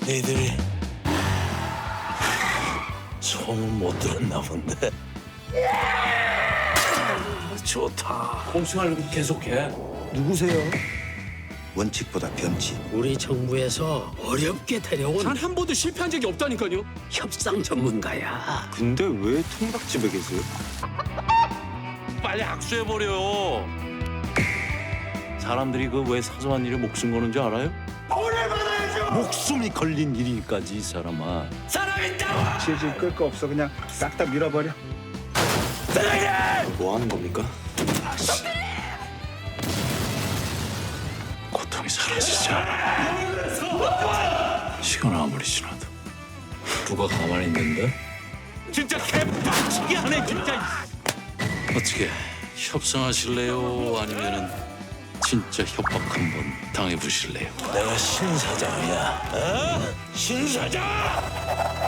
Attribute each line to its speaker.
Speaker 1: 너희들이 소문 못 들었나 본데. 좋다.
Speaker 2: 공수하는 거 계속해.
Speaker 3: 누구세요? 원칙보다 변칙.
Speaker 4: 우리 정부에서 어렵게 데려온
Speaker 2: 단 한 번도 실패한 적이 없다니까요.
Speaker 4: 협상 전문가야.
Speaker 3: 근데 왜 통닭집에 계세요?
Speaker 1: 빨리 악수해버려. 사람들이 그 왜 사소한 일에 목숨 거는 줄 알아요? 목숨이 걸린 일이까지 이 사람아.
Speaker 3: 질질 끌 거 없어. 그냥 싹 다 밀어버려. 뭐 하는 겁니까?
Speaker 1: 고통이 사라지지 않아. 시간 아무리 지나도 누가 가만히 있는데? 진짜 개빡치게 하네 진짜. 어떻게 협상하실래요? 아니면은 진짜 협박 한번 당해보실래요? 내가 신 사장이야. 어? 신 사장!